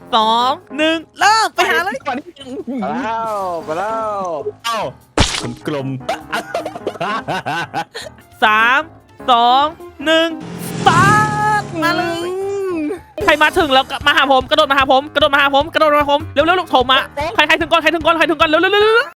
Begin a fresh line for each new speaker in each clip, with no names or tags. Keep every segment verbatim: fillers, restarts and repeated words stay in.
สองหนึ่งเริ่มไปหาเลย
มาแล้วมาแล้วเอ้ากลม
สามสองหนึ่งสตาร์ทมาเลย ใครมาถึงแล้วก็มาหาผมกระโดดมาหาผมกระโดดมาหาผมกระโดดมาหาผมเร็วๆลูกโถมาใครใครถึงก่อนใครถึงก่อนใครถึงก่อนเร็วๆเร็วๆ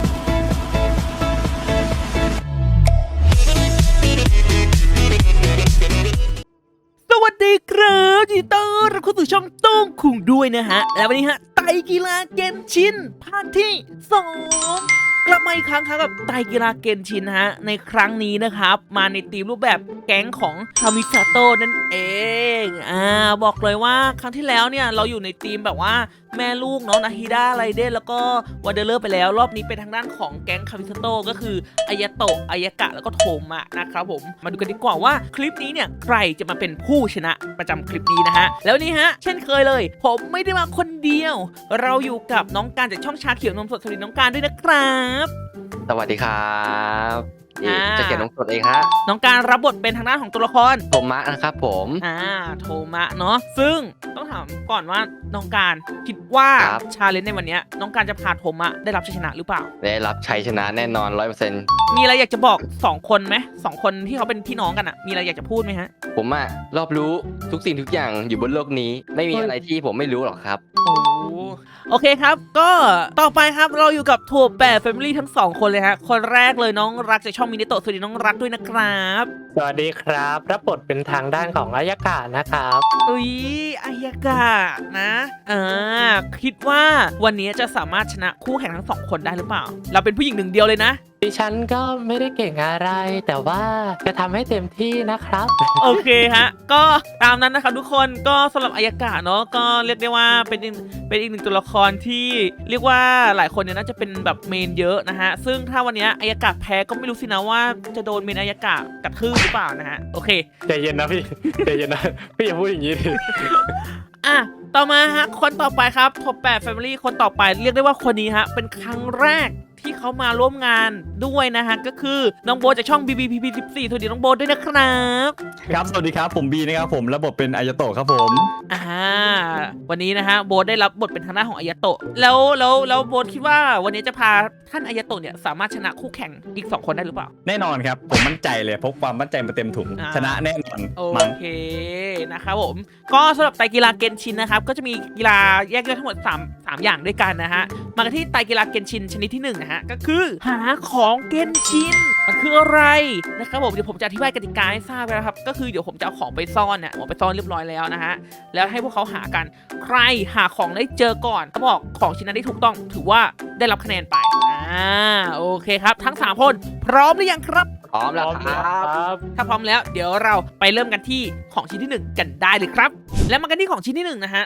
สวัสดีครับยินดีต้อนรับเข้าสู่ช่องตุ้งคุงด้วยนะฮะแล้ววันนี้ฮะไตกีฬาเกนชินภาคที่สองกลับมาอีกครั้งครับกับไตกีฬาเกนชินฮะในครั้งนี้นะครับมาในทีมรูปแบบแก๊งของคามิซาโตะนั่นเองอ่าบอกเลยว่าครั้งที่แล้วเนี่ยเราอยู่ในทีมแบบว่าแม่ลูกเนาะนาฮิดะไรเดนแล้วก็วาเดเลอร์ไปแล้วรอบนี้เป็นทางด้านของแก๊งคามิซาโตะก็คืออายาโตะอายากะแล้วก็โทมะนะครับผมมาดูกันดีกว่าว่าคลิปนี้เนี่ยใครจะมาเป็นผู้ชนะประจำคลิปนี้นะฮะแล้วนี่ฮะเช่นเคยเลยผมไม่ได้มาคนเดียวเราอยู่กับน้องการจากช่องชาเขียวนมสดสวัสดีน้องการด้วยนะครับ
สวัสดีครับนี่
อ่า
จะเขียนลงสดเองฮะ
น้องการรับบทเป็นทางด้านของตัวละคร
โทมะนะครับผม
อ่าโทมะเนาะซึ่งต้องถามก่อนว่าน้องการคิดว่าชาเลนจ์ในวันนี้น้องการจะพาโทมะได้รับชัยชนะหรือเปล่า
ได้รับชัยชนะแน่นอนร้อยเปอร์เซ็นต์
มีอะไรอยากจะบอกสองคนไหมสองคนที่เขาเป็นพี่น้องกันอะมีอะไรอยากจะพูดไหมฮะ
ผมอะรอบรู้ทุกสิ่งทุกอย่างอยู่บนโลกนี้ ไม่มีอะไรที่ผมไม่รู้หรอกครับ
โอ้โอเคครับก็ต่อไปครับเราอยู่กับทัวร์แปดแฟมิลี่ทั้งสองคนเลยฮะคนแรกเลยน้องรักจากช่องมินิโตะสวัสดีน้องรักด้วยนะครับ
สวัสดีครับรับบทเป็นทางด้านของอายากะนะครับ
อุ้ยอายากะนะอ่าคิดว่าวันนี้จะสามารถชนะคู่แข่งทั้งสองคนได้หรือเปล่า เราเป็นผู้หญิงหนึ่งเดียวเลยนะ
ดิฉันก็ไม่ได้เก่งอะไร แต่ว่าจะทำให้เต็มที่นะครับ
โอเคฮะก็ตามนั้นนะครับทุกคนก็สำหรับอายากะเนาะก็เรียกได้ว่าเป็นอีกเป็นอีกหนึ่งตัวละครที่เรียกว่าหลายคนเนี่ยน่าจะเป็นแบบเมนเยอะนะฮะซึ่งถ้าวันนี้อายากะแพ้ก็ไม่รู้สินะว่าจะโดนเมนอายากะกระทืบหรือเปล่านะฮะโอเค
ใจเย็นนะพี่ ใจเย็นนะ พี่อย่าพูดอย่างนี้ดิ
อ่ะต่อมาฮะคนต่อไปครับท็อปแปด Family คนต่อไปเรียกได้ว่าคนนี้ฮะเป็นครั้งแรกที่เขามาร่วมงานด้วยนะฮะก็คือน้องโบจากช่อง บี บี พี พี สิบสี่ สวัสดีน้องโบด้วยนะครับ
ครับสวัสดีครับผมบีนะครับผมระบบเป็นอายาโตะครับผม
อ่าวันนี้นะฮะโบได้รับบทเป็นทางด้านของอายาโตะแล้วแล้วแล้วโบคิดว่าวันนี้จะพาท่านอายาโตะเนี่ยสามารถชนะคู่แข่งอีกสองคนได้หรือเปล่า
แน่นอนครับผมมั่นใจเลยพกความมั่นใจมาเต็มถุง
อ่า
ชนะแน่นอน
โอ
มั้ง
เคนะครับผมก็สำหรับไตรกีฬาเกนชินนะครับก็จะมีกีฬาแยกย่อยทั้งหมด3 3อย่างด้วยกันนะฮะมากันที่ไตรกีฬาเกนชินชนิดที่หนึ่งนะฮะก็คือหาของเกนชินมันคืออะไรนะครับผมเดี๋ยวผมจะอธิบายกติกาให้ทราบนะครับก็คือเดี๋ยวผมจะเอาของไปซ่อนเนี่ยเอาไปซ่อนเรียบร้อยแล้วนะฮะแล้วให้พวกเขาหากันใครหาของได้เจอก่อนเขาบอกของชิ้นนั้นได้ถูกต้องถือว่าได้รับคะแนนไปอ่าโอเคครับทั้งสามคนพร้อมหรือยังครับ
พร้อมแล้วครับ
บ
ถ้าพร้อมแล้วเดี๋ยวเราไปเริ่มกันที่ของชิ้นที่หนึ่งกันได้เลยครับ และมากันที่ของชิ้นที่หนึ่งนะฮะ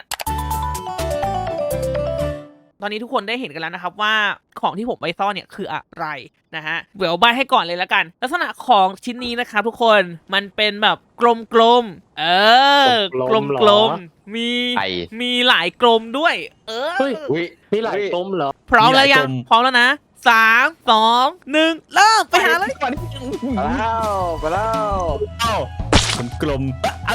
ตอนนี้ทุกคนได้เห็นกันแล้วนะครับว่าของที่ผมไปซ่อนเนี่ยคืออะไรนะฮะเดี๋ยวใบให้ก่อนเลยแล้วกัน ลักษณะของชิ้นนี้นะครับทุกคนมันเป็นแบบกลมๆเออกลมๆมีมีหลายกลมด้วย เออ
เฮ้ย
อุ้ย
มีหลายกลมเหรอ
พร้อมแล้วยังพร้อมแล้วนะสามสองหนึ่งเริ่มไปหาเลย
มา
มาแล้วมาแล้ว
เอ้ากลม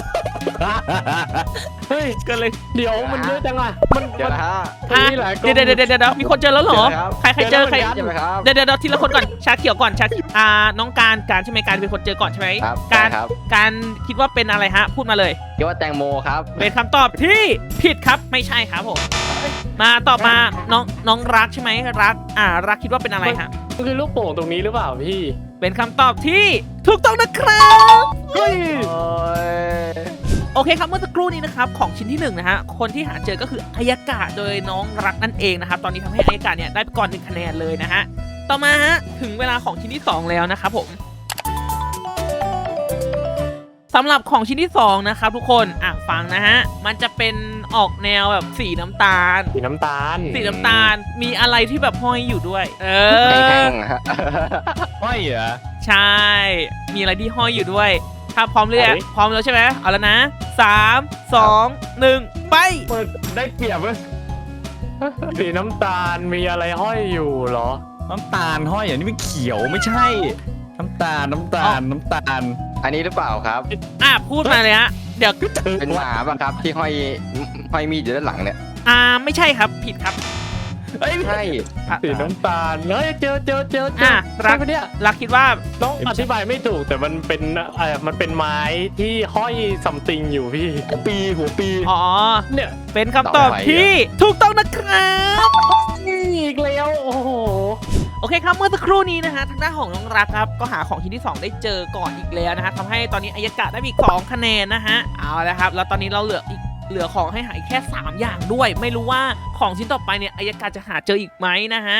เฮ้ย
เกินเลย
เดี๋ยวมันเยอะจังอ่ะมัน
เดี๋ยว
มัน
นะฮะ
มันมีหลายกลม
เดี๋ยวเดี๋ยวเดี๋ยวเดี๋ยวมีคนเจอแล้วเหรอ
เดี๋ยวนะครับ
ใครใครเจอใคร
ใช่ไหมครับ
เดี๋ยวเดี๋ยวทีละคนก่อนชาเขียวก่อนชาอ่าน้องการการใช่ไหมการเป็นคนเจอก่อนใช่ไหม
ครับ
การ
ใช่ครับ
การคิดว่าเป็นอะไรฮะพูดมาเลย
คิดว่าแตงโมครับ
เป็นคำตอบที่ผิดครับไม่ใช่ครับผมมาตอบมาน้องน้องรักใช่ไหมรักอ่ารักคิดว่าเป็นอะไรฮะ
มันคือลูกโป่งตรงนี้หรือเปล่าพี่
เป็นคำตอบที่ถูกต้องนะครับ
เฮ้ย
โอ้ย
โอเคครับเมื่อสักครู่นี้นะครับของชิ้นที่หนึ่งนะฮะคนที่หาเจอก็คืออายากะโดยน้องรักนั่นเองนะครับตอนนี้ทำให้อายากะเนี่ยได้ไปก่อนหนึ่งคะแนนเลยนะฮะต่อมาฮะถึงเวลาของชิ้นที่สองแล้วนะครับผมสำหรับของชิ้นที่สองนะครับทุกคนอ่ะฟังนะฮะมันจะเป็นออกแนวแบบสีน้ำตาล
สีน้ำตาล
สีน้ำตาลมีอะไรที่แบบห้อยอยู่ด้วย เอ
แห้
อง
ๆฮะ
ห้อยเหรอ
ใช่ มีอะไรที่ห้อยอยู่ด้วย ถ้าพร้อมเลยอะพร้อมแล้วใช่ไหมเอาแล้วนะสามสองหนึ่งไป
เปิดได้เปรียบเว้ยสีน้ำตาลมีอะไรห้อยอยู่เหรอ
น้ำตาลห้อยอย่างนี้ไม่เขียวไม่ใช่ น้ำตาลน้ำตาลน้ำตาล
อันนี้หรือเปล่าครับ
อ่ะพูดมาเลยฮะเดี๋ยว
เป็นหมาป่ะครับที่ห้อยห้อยมีดอยู่ด้านหลังเนี่ย
อ่าไม่ใช่ครับผิดครับ
เอ้ย
ใช่
อ่ะ
สีน้ำตาลเฮ้ยเจอเจอเจอเจอ
อ่ะรั
รั
ก
กเนี่ย
รักคิดว่า
ต้องอธิบายไม่ถูกแต่มันเป็นเออมันเป็นไม้ที่ห้อยซัมติงอยู่พี่
หัวปีหัวปี
อ๋อ
เนี่ย
เป็นคำตอบที่ถูกต้องนะครับ
อีกแล้วโอ้โห
โอเคครับเมื่อสักครู่นี้นะฮะทางด้านของน้องรักครับก็หาของชิ้นที่สองได้เจอก่อนอีกแล้วนะฮะทำให้ตอนนี้อายากะได้มีสองคะแนนนะฮะเอาละครับแล้วตอนนี้เราเหลืออีกเหลือของให้หาอีกแค่สามอย่างด้วย ไม่รู้ว่าของชิ้นต่อไปเนี่ยอายากะจะหาเจออีกไหมนะฮะ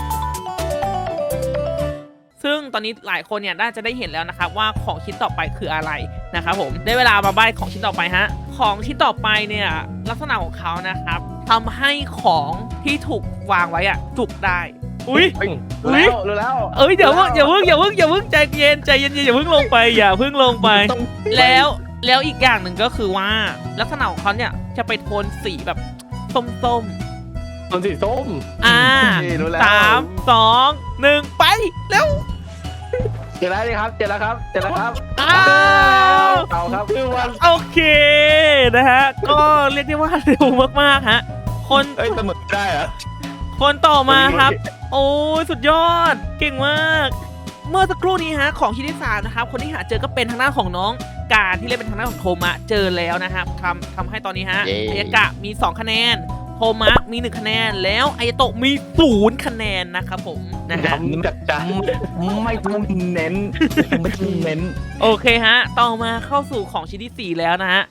ซึ่งตอนนี้หลายคนเนี่ยน่าจะได้เห็นแล้วนะครับว่าของชิ้นต่อไปคืออะไรนะครับผมได้เวลามาใบ้ของชิ้นต่อไปฮะของชิ้นต่อไปเนี่ยลักษณะของเขานะครับทำให้ของที่ถูกวางไว้อะจุกได้อุ้ย
รู้แล้วรู้แล้ว
เอ้ยอย่าเพิ่งอย่าเพิ่งอย่าเพิ่งอย่าเพิ่งใจเย็นใจเย็นอย่าเพิ่งลงไปอย่าเพิ่งลงไป
ต้อง
แล้วแล้วอีกอย่างหนึ่งก็คือว่าลักษณะของเขาเนี่ยจะไปโทนสีแบบส้ม
ต้นสีส้ม
ๆอ่า
นี่รู้แล้ว
สามสองหนึ่งไปแล้ว
เจอแล้วนี่ครับเจอแล้วครับเจอแล้วครับ
อ้าว
เอาครับ
คือวัน
โอเคนะฮะก็เรียกได้ว่าเร็วมากๆฮะคน
เอ้ยเสมอได้เหรอ
คนต่อมาครับ โอ้ยสุดยอดเก่งมาก เมื่อสักครู่นี้ฮะของชิ้นที่สามนะครับคนที่หาเจอก็เป็นทางด้านของน้องการที่เล่นเป็นทางด้านของโทมะเจอแล้วนะครับทำทำให้ตอนนี้ฮะ
เย้
อายากะมีสองคะแนนโทมะมีหนึ่งคะแนนแล้วอายาโตะมีศูนย์คะแนนนะครับผมนะฮะ
ย้ำจัดจ้าน
ไม่ต้องเน้นไม่ต้องเน้น
โอเคฮะต่อมาเข้าสู่ของชิ้นที่สี่แล้วนะฮะ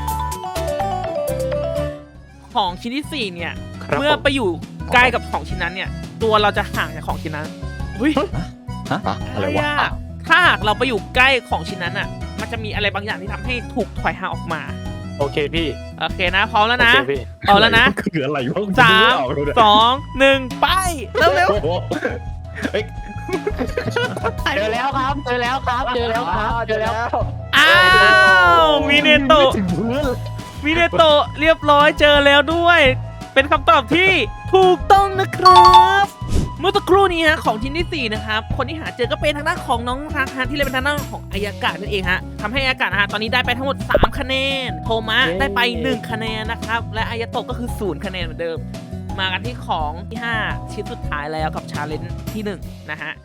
ของชิ้นที่สี่เนี่ย
ครับ
เมื่อ
ผม
ไปอยู่ใกล้กับของชิ้นนั้นเนี่ยตัวเราจะห่างจากของชิ้นนั้นอุ้ย
ฮะอะไรวะ
อะถ้าหากเราไปอยู่ใกล้ของชิ้นนั้นอ่ะ มันจะมีอะไรบางอย่างที่ทำให้ถูกถอยห่างออกมา
โอเคพี่
โอเคนะ พร้อมแล้วนะ
โอเคพี่
เอาแล้วนะ
คืออะไรวะ
สามสองหนึ่งไปเร็วเร็ว
โอ้โหเอ้ย
เจอแล้วครับเจอแล้วครับเจอแล้วครับเจอแล้ว
ๆอ้าวมีเนโตะ
ถึงพื้น
มีเนโตะเรียบร้อยเจอแล้วด้วย เป็นคำตอบที่ถูกต้องนะครับเมื่อสักครู่นี้ฮะของชิ้นที่สี่นะครับคนที่หาเจอก็เป็นทางด้านของน้องรักฮะที่เล่นเป็นทางด้านของอายากะนั่นเองฮะทำให้อายากะนะฮะตอนนี้ได้ไปทั้งหมดสามคะแนนโทมะได้ไปหนึ่งคะแนนนะครับและอายาโตะก็คือศูนย์คะแนนเหมือนเดิม มากันที่ของที่ห้าชิ้นสุดท้ายแล้วกับชาเลนจ์ที่หนึ่งนะฮะ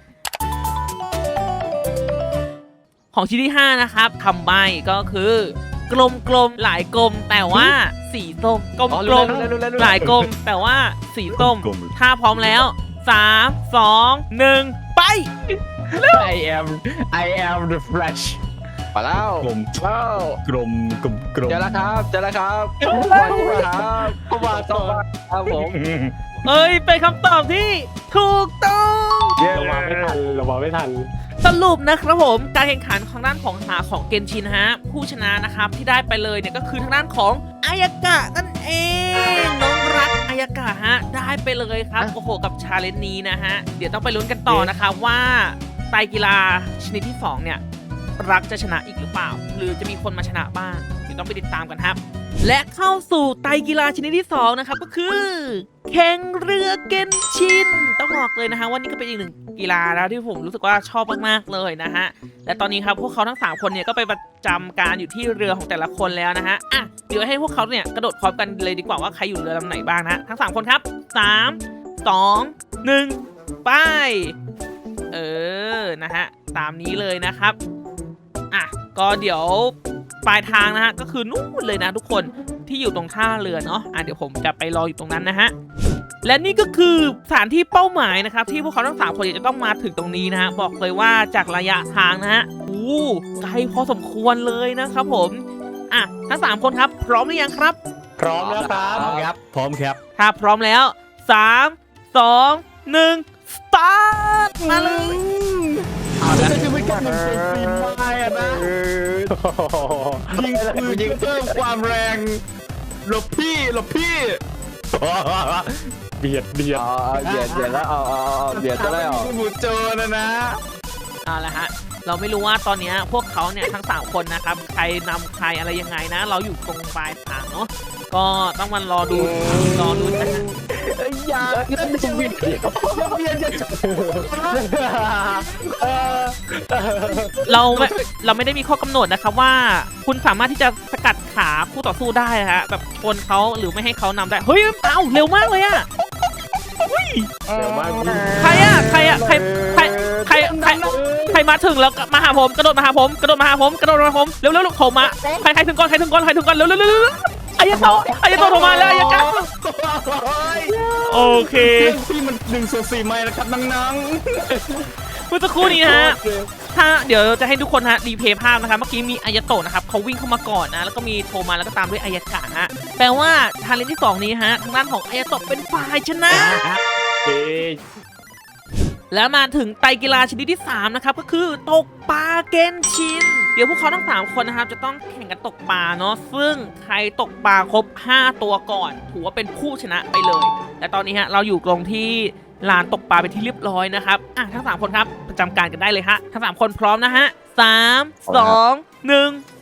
ของชิ้นที่ห้านะครับทำใบก็คือกลมกลมๆหลายกลมแต่ว่าสีส้มกลม
อ๋อก
ล
รู้
ม
แล้วรู้แล้วรู้แล้ว
หลายกลมแต่ว่าสีส้ม
กลม
ถ้าพร้อมแล้วสามสองหนึ่งไป
I am I am the flash
มาแล้ว
กลม
ว้าว
กลมกลมกลม
เจอแล้วครับเจอแล้วครับมาครับ
เข้ามา
ต้
ต่
อ
อง
มาครับผม
เอ้ยเป็นคำตอบที่ถูกต้อง
เย้
เรามาไม่ทันเรามาไม่ทัน
สรุปนะครับผมการแข่งขันทางด้านของหาของเกนชินฮะผู้ชนะนะครับที่ได้ไปเลยเนี่ยก็คือทางด้านของอายากะนั่นเองน้องรักอายากะฮะได้ไปเลยครับโอ้โหกับชาเลนจ์นี้นะฮะเดี๋ยวต้องไปลุ้นกันต่อนะครับว่าไตรกีฬาชนิดที่สองเนี่ยรักจะชนะอีกหรือเปล่า หรือจะมีคนมาชนะบ้างเดี๋ยวต้องไปติดตามกันครับ และเข้าสู่ไตรกีฬาชนิดที่สองนะครับก็คือแข่งเรือเกนชินต้องบอกเลยนะฮะว่านี่ก็เป็นอีกหนึ่งกีฬาแล้วที่ผมรู้สึกว่าชอบมากๆเลยนะฮะและตอนนี้ครับพวกเขาทั้งสามคนเนี่ยก็ไปประจำการอยู่ที่เรือของแต่ละคนแล้วนะฮะอ่ะเดี๋ยวให้พวกเขาเนี่ยกระโดดพร้อมกันเลยดีกว่าว่าใครอยู่เรือลำไหนบ้างนะทั้งสามคนครับสามสองหนึ่งไปเออนะฮะตามนี้เลยนะครับอ่ะก็เดี๋ยวปลายทางนะฮะก็คือนู่นเลยนะทุกคนที่อยู่ตรงท่าเรือเนาะอ่ะเดี๋ยวผมจะไปรออยู่ตรงนั้นนะฮะและนี่ก็คือสถานที่เป้าหมายนะครับที่พวกเขาทั้งสามคนจะต้องมาถึงตรงนี้นะฮะบอกเลยว่าจากระยะทางนะฮะอู้ไกลพอสมควรเลยนะครับผมอ่ะทั้งสามคนครับพร้อมหรือยังครับ
พร้อมแล้วครับ
พร้อมครับพร้อมครับ
ถ้าพร้อมแล้วสามสองหนึ่งสตาร์ทมาเลย
เอาละจะไม่กล้าเป็นปีนไม้อะนะยิงปืนยิงเพิ่มความแรงหลบพี่หลบพี่
เบียดเบียด
อ๋อเบียดเบียดแล้วเอาเอาเอาเบียดจะได้ออก
หมูโจนะนะ
เอาละฮะเราไม่รู้ว่าตอนนี้พวกเขาเนี่ยทั้งสามคนนะครับใครนำใครอะไรยังไงนะ เราอยู่ตรงปลายทางเนาะก็ต้องมารอดูรอดูนะฮะ
ไอ้ยานั่นจะเวียนเวียนจะ
เออ
เราไม่เราไม่ได้มีข้อกำหนดนะครับว่าคุณสามารถที่จะสกัดขาคู่ต่อสู้ได้นะฮะแบบชนเขาหรือไม่ให้เขานำได้เฮ้ยเอ้าเร็วมากเลยอะ
เดี๋ยวมา
ใครอะใครอะใครใครใครใครใครมาถึงแล้วก็มาหาผมกระโดดมาหาผมกระโดดมาหาผมกระโดดมาหาผมเร็วเร็วลูกโถมาใครใครถึงก่อนใครถึงก่อนใครถึงก่อนเร็วเร็วเร็วอายาโตะอายาโตะโทรมาแล้วอายากะโอเค
ที่มันหนึ่งส่วนสี่ไม้แล้วครับนัง
เมื่อสักครู่นี้นะฮะถ้าเดี๋ยวจะให้ทุกคนฮะรีเพย์ภาพนะครับเมื่อกี้มีอายาโตะนะครับเขาวิ่งเข้ามาก่อนนะแล้วก็มีโทมาแล้วก็ตามด้วยอายากะฮะแปลว่าทาเลนที่สองนี้ฮะทางด้านของอายาโตะเป็นฝ่ายชนะ
เอ๊ะ
แล้วมาถึงไตรกีฬาชนิดที่สามนะครับก็คือตกปลาเกนชินเดี๋ยวพวกเขาทั้งสามคนนะครับจะต้องแข่งกันตกปลาเนาะซึ่งใครตกปลาครบห้าตัวก่อนถือว่าเป็นผู้ชนะไปเลยและตอนนี้ฮะเราอยู่ตรงที่ลานตกปลาเป็นที่เรียบร้อยนะครับอ่ะทั้งสามคนครับประจำการกันได้เลยฮะทั้งสามคนพร้อมนะฮะสามสองหนึ่งไป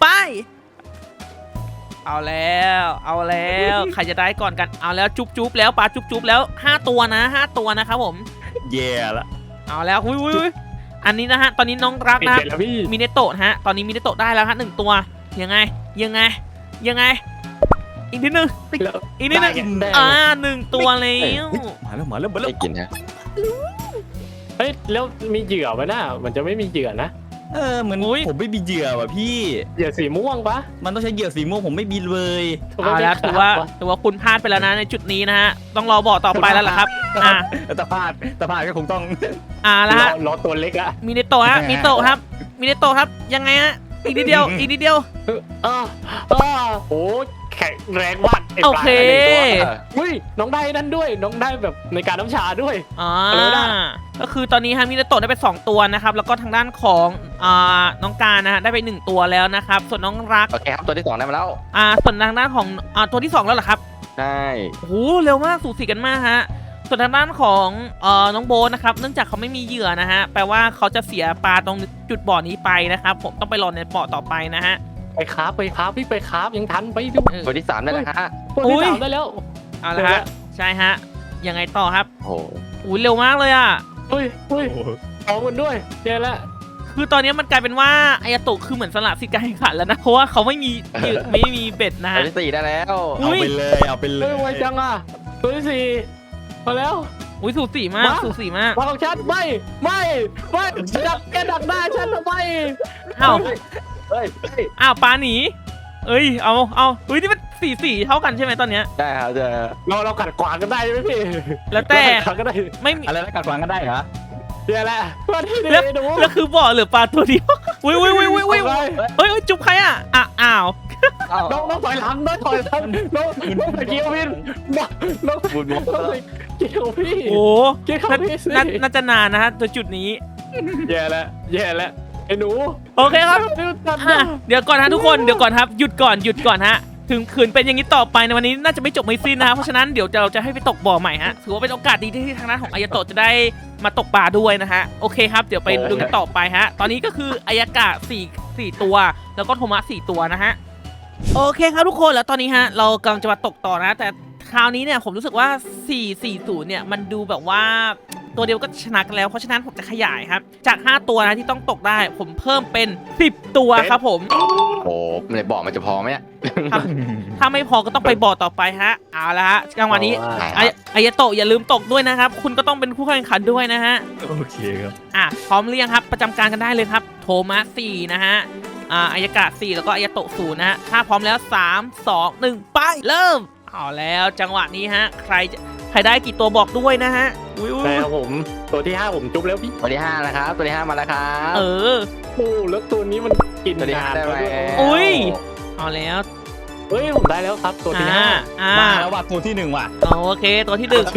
เอาแล้วเอาแล้วใครจะได้ก่อนกันเอาแล้วจุ๊บจุ๊บแล้วปลาจุ๊บจุ๊บแล้วห้าตัวนะห้าตัวนะครับผม
ๆแย่ละ
เอาแล้วอุ้ยอุ้ยอุ้ยอันนี้นะฮะ ตอนนี้น้องรัก
ปิด
นะ
เสร็จแล้วพี่
มิเนโตะนะฮะ ตอนนี้มิเนโตะได้แล้วฮะหนึ่งตัว ยังไง ยังไง ยังไง อีกนิดนึง
แล้ว
อีกนิดนึง
ได้
อ่าหนึ่งตัวแล้ว
มาแล้วมาแล้วมาแล้ว
ได้กินฮะ
เฮ้ยแล้วมีเหยื่อไหมน่ะมันจะไม่มีเหยื่อนะ
เออเหมือนผมไม่มีเหยื่อว่ะพี่
เหยื่อสีม่วงปะ
มันต้องใช้เหยื่อสีม่วงผมไม่มีเลย
เอาแล้วถือว่าถือว่าคุณพลาดไปแล้วนะในจุดนี้นะฮะ ต้องรอบอกต่อไปแล้วล่ะครับ อ่า
แต่พลาดแต่พลาดก็คงต้อง
อ่าแล้วฮะ
รอตัวเล็กอะ
มิเนโตะฮะ มิเนโตะครับ มิเนโตะครับ ยังไงฮะ อีกนิดเดียว อีกนิดเดียว
อ่าอ่าโอ้แข็งแรงมากไปลา
โอเค
หนึ่งตัวอุ้ยน้องได้นั่นด้วยน้องได้แบบในการน้ำชาด้วย
อ่า
อะไรนะ
ก็คือตอนนี้ฮะมิเนโตะได้ไปสองตัวนะครับ แล้วก็ทางด้านของอ่าน้องการนะฮะได้ไปหนึ่งตัวแล้วนะครับ ส่วนน้องรัก
โอเคครับตัวที่สองได้มาแล้ว
อ่าส่วนทางด้านของอ่าตัวที่สองแล้วเหรอครับ
ใช่
โอ้โหเร็วมากสูสีกันมากฮะส่วนทางด้านของเอ่อน้องโบทนะครับเนื่องจากเขาไม่มีเหยื่อนะฮะแปลว่าเขาจะเสียปลาตรงจุดบ่อนี้ไปนะครับผมต้องไปรอในบ่อต่อไปนะฮะ
ไปคราฟไปคราฟพี่ไปคราฟยังทันไปดู
เออ
ตัวที่สามได้แล้วฮะ
ตัวที่สามได้แล้ว
เอาละฮะใช่ฮะยังไงต่อครับ
โอ้โห
อุ้ยเร็วมากเลยอ่ะ
เฮ้ยเฮ้ยพร้อมกันด้วยเจอแล้ว
คือตอนนี้มันกลายเป็นว่าอายาโตะคือเหมือนสละสิทธิ์การแข่งขันแล้วนะเพราะว่าเขาไม่มีเหยื่อไม่มีเบ็ดนะ
ตัว
ฮะ
ที่สี่ได้แล้ว
อุ๊
เอา
ย
ไปเลยเอาไปเล
เฮ้ย
ย
ไวจังอ่ะตัวที่สี่มาแล้ว
อุ้ยสูสีมาก
มา
สูสีมาก
มาของฉันไม่ไม่ไม่ดักแกดักหน้าฉันทำไม
อ้าว
เฮ้ยเฮ้ย
อ้าวปลาหนีเอ้ยเอาเอาเฮ้ยนี่มันสีสีเท่ากันใช่ไหมตอนเนี้ย
ได้ครับเจอ
เราเราขัดขวางกันได้ไหมพี่
แล้วแต่
เราขัดขวางกันได้
ไม่มี
อะไรแล้วกัดฟังกันได้เหรอ
เจอแล้วมาที่
แล้ว
นี่ดู
แล้วคือบ่อเหลือปลาตัวเดียวอุ้ยอุ้ยอุ้ยอุ้ยอุ้ย
เอาไป
เฮ้ยเฮ้ยจุ๊บใครอ่ะอ่ะอ้าว
เอ้า
น้องน้องถอยหลังน้องถอยหลังน้องน้องไปเกี่ยวพี่น้องน้อง
บุญบุญ
น้องไปเกี่ยวพี่
โอ้
เกี่ยว
น่า
พี่สิ
น่าน่าจะนานนะฮะตัวจุดนี้
แย่แล้วแย่แล้วไอ้หนู
โอเคครับ
เดี๋ยวตัด
อ่ะเดี๋ยวก่อนฮะทุกคนเดี๋ยวก่อนครับหยุดก่อนหยุดก่อนฮะถึงขืนเป็นอย่างนี้ต่อไปในวันนี้น่าจะไม่จบไม่สิ้นนะฮะเพราะฉะนั้นเดี๋ยวเราจะให้ไปตกบ่อใหม่ฮะถือว่าเป็นโอกาสดีที่ทางด้านของอายาโตะจะได้มาตกปลาด้วยนะฮะโอเคครับเดี๋ยวไปดูกันต่อไปฮะตอนนี้ก็คืออายากะสี่สี่ตัว แล้วก็โทมะสี่ตัวนะฮะโอเคครับทุกคนแล้วตอนนี้ฮะเรากำลังจะมาตกต่อนะแต่คราวนี้เนี่ยผมรู้สึกว่าสี่ สี่ ศูนย์เนี่ยมันดูแบบว่าตัวเดียวก็ชนะกันแล้วเพราะฉะนั้นผมจะขยายครับจากห้าตัวนะที่ต้องตกได้ผมเพิ่มเป็นสิบตัวครับผม
โอ้โหในบ่อมันจะพอไหมเนี่ย
ถ้าถ้าไม่พอก็ต้องไปบ่อต่อไปฮะเอาละฮะจังหวะนี้
ได้
อายอายาโตะอย่าลืมตกด้วยนะครับ คุณก็ต้องเป็นผู้แข่งขันด้วยนะฮะ
โอเคครับ
อ่ะพร้อมหรือยังครับประจำการกันได้เลยครับโทมัสสี่นะฮะอ่าอายากะสี่แล้วก็อายาโตะศูนย์นะฮะถ้าพร้อมแล้วสามสองหนึ่งไปเริ่มเอาแล้วจังหวะนี้ฮะใครจะใครได้กี่ตัวบอกด้วยนะฮะอุ้ยอุ้ย
แต่ผมตัวที่ห้าผมจุ๊บแล้วพี่
ตัวที่ห้านะครับตัวที่ห้ามาแล้วครับ
เออ
โอ้แล้วตัวนี้มันกิน
ตัวที่
นา
ห้าน ได้ไหม
แล้วด้วย
อุ้ย เอาแล้ว
เฮ้ยผมได้แล้วครับตัวที่
อ่า
ห้า
อ่า
มาแล้วว่ะตัวที่หนึ่งว่ะ
โอเคตัวที่หนึ่ง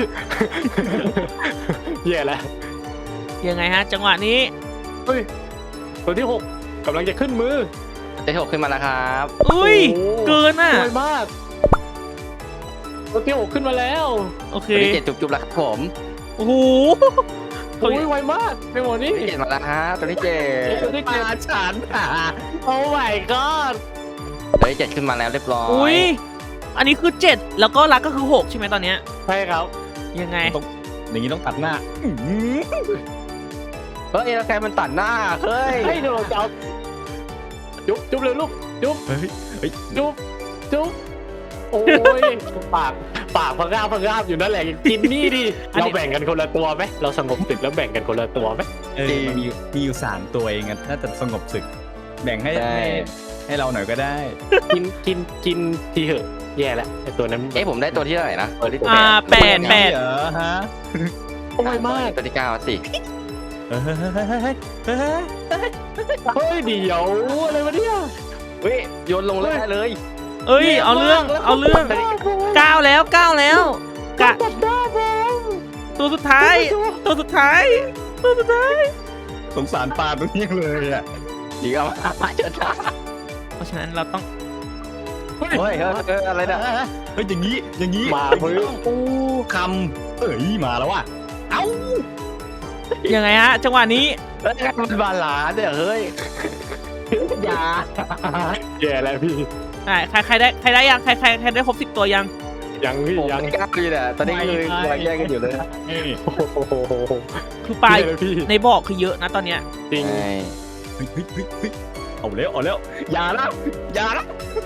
แย่แล้ว
ยังไงฮะจังหวะนี้
เฮ้ยตัวที่หกกำลังจะขึ้นมือ
ตัวที่หกขึ้นมาแล้วครับ
อุ้ย
โอ้
เกินอ่ะ
สวยมากตัวที่หกขึ้นมาแล้ว
โอเค
ตัวที่เจ็ดจุ๊บๆแล้วครับผม
โอ้โห
โอ้ยไวมากในหมดนี้
ตัวที่เจ็ดมาแล้วฮะตัวที่เจ็ด
ตัวที่
มา
เจ็ด
ฉันอ่ะ
โอ้ my god
ตัวที่เจ็ดขึ้นมาแล้วเรียบร้อย
อุ้ย อันนี้คือเจ็ดแล้วก็รักก็คือหกใช่ไหมตอนเนี้ย
ใช่ครับ
ยังไง
ต้องอย่างนี้ต้องตัดหน้าอื้อหือ
เฮ้ยแล้วใครมันตัดหน้าเฮ้ย
ให้เราจะเอาจุ๊บจุ๊บเลยลูกจุ๊บ
เฮ้ยเฮ้ย
จุ๊บจุ๊บโอ้ยปากปากพังงาบพังงาบอยู่นั่นแหละกินนี่ดิเราแบ่งกันคนละตัวไหมเราสงบศึกแล้วแบ่งกันคนละตัวไหม
เออมันมีอยู่มีอยู่สามตัวเองอะน่าจะสงบศึก แบ่งให้
ใช่
ให้ให้เราหน่อยก็ได้
กินกินกินทีเหอะแย่แล้วไอตัวนั้น
เอ้ผมได้ตัวที่เท่าไหร่นะตัวที่
อ่าแปดแปด
เหรอฮะ
โอ้ยมาก
ตัวที่เก้าสิ
เฮ้ยเฮ้ยเฮ้ยเฮ้ยเฮ้ย
เฮ้ยเดี๋ยวอะไรวะเนี่ย
เฮ้ยโยนลงเลยได้เลย
เอ้ยเอาเรื่องเอาเรื่องก้าวแล้วก้าวแล้วกะ
ตัดด้าบอม
ตัวสุดท้าย ตัวสุดท้ายตัวสุดท้าย
สงสารปลาตรงนี้เลยอ่ะ
ดีเอามาเจอหน้า
เพราะฉะนั้นเราต้อง
เฮ้ยเฮ้ยเฮ้ยอะไรนะ
เฮ้ยอย่างนี้อย่างนี้
มา
เฮ้
เพิ่
ย
ง
โอ้คำเอ้ยมาแล้วว่ะเอ้า
ยังไงฮะจังหวะนี้
เฮ้ยมันบาลานซ์เนี่ยเฮ้ย
อย่า
แย่แล้วพี่
ใช่ใครใครได้ใครได้ยังใครใครใครได้ครบสิบตัวยัง
ยังพี่
ผม
ยัง
ไม่กล้าเลยเนี่ยตอนนี้เลยกำลังแย่งกันอยู่เลย
นี่
โอ้โห
คือปลาย
แย่แล้วพี่
ในบ่อคือเยอะนะตอนเนี้ย
จริง
เฮ้ยเฮ้ยเฮ้ยเฮ้ยเอาแล้วเอาแล้วอย่านะอย่านะ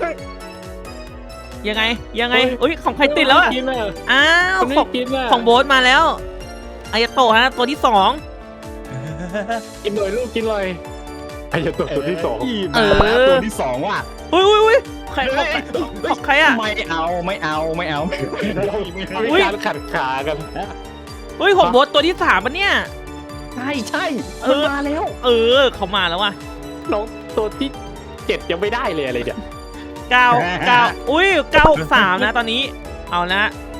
ยังไงยังไงอุ้ยของใครติดแล้วอะ
กินอ่ะ
อ้าว
คนนี้
ของ
กินอ่ะ
ของโบ๊ทมาแล้วอายาโตะฮะตัวที่สอง
กินหน่อยลูกกินหน่อยไอ้ยาตัวตัวที่สอง
เออตัวที่สองว่ะ
อุ้ยอุ้ยอุ้ยใครของใครของใครอะ
ไม่เอาไม่เอาไม่เอาไม่เอา
มีการขัดขากัน
เฮ้ยของโบ๊ทตัวที่สามปะเนี่ย
ใช่ใช่
เออ
มาแล้ว
เออเขามาแล้วว่ะ
น้องตัวที่เจ็ดยังไม่ได้เลยอะไรเนี่ย
เก้าเก้าอุ้ยเก้าหกสามนะตอนนี้เอาละ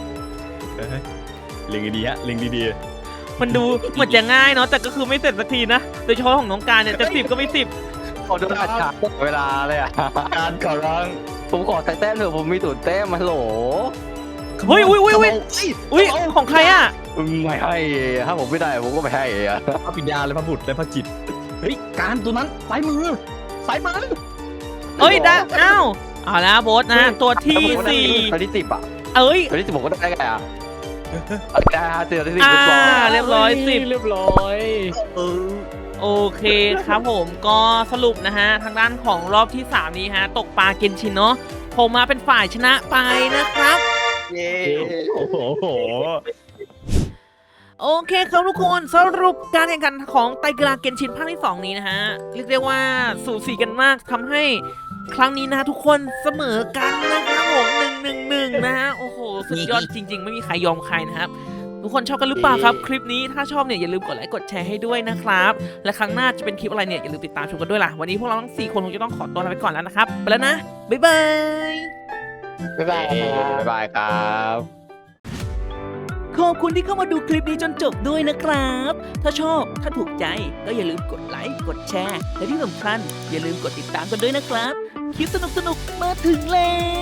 เล็งดีๆฮะเล็งดี
มันดูเหมือนจะง่ายเนาะแต่ก็คือไม่เสร็จสักทีนะโดยเฉพาะของน้องการเนี่ยจะสิบก็ไม่สิบ
ผมโดนขัดขาเวลาเลยอ่ะ
ๆการขอร้อง
ผมขอแต่แต้มเถอะผมมีตูดแต้มมาโหล
เฮ้ยอุ้ยอุ้ยอุ้ยอุ้ยของใครอะ
ไม่ให้ถ้าผมไม่ได้ผมก็ไม่ให้อะ
พระปิญญาและพระบุตรและพระจิตเฮ้ยการตัวนั้นซ้ายมือซ้ายมือ
เอ้ยได้อ้าวเอาละโบ๊ทนะตัวที่สี่
ตัวที่สิบอ่ะ
เอ้ย
ตัวที่สิบผมก็ได้ไงอ่ะได้ฮะตัวที่สิบ
อ่า
เรียบร้อย
เรียบร้อยสิบ
เรียบร้อย
เออ
โอเคครับผมก็สรุปนะฮะทางด้านของรอบที่สามนี้ฮะตกปลาเกนชินเนาะผมมาเป็นฝ่ายชนะไปนะครับ
เย้
โอ้โหโอ้โห
โอเคครับทุกคนสรุปการแข่งขันของไตรกีฬาเกนชินภาคที่สองนี้นะฮะเรียกได้ว่าสูสีกันมากทำให้ครั้งนี้นะฮะทุกคนเสมอกันนะครับผมหนึ่งหนึ่งหนึ่งนะฮะโอ้โหสุดยอดจริง ๆ ไม่มีใครยอมใครนะครับทุกคนชอบกันหรือเปล่าครับคลิปนี้ถ้าชอบเนี่ยอย่าลืมกดไลค์กดแชร์ให้ด้วยนะครับและครั้งหน้าจะเป็นคลิปอะไรเนี่ยอย่าลืมติดตามชมกันด้วยล่ะวันนี้พวกเราทั้งสี่คนคงจะต้องขอตัวลาไปก่อนแล้วนะครับไปแล้วนะบ๊ายบาย
บ๊ายบาย
บ๊ายบายครับ
ขอบคุณที่เข้ามาดูคลิปนี้จนจบด้วยนะครับ ถ้าชอบ ถ้าถูกใจ ก็อย่าลืมกดไลค์ กดแชร์ และที่สำคัญอย่าลืมกดติดตามกันด้วยนะครับ คลิปสนุกๆ มาถึงแล้ว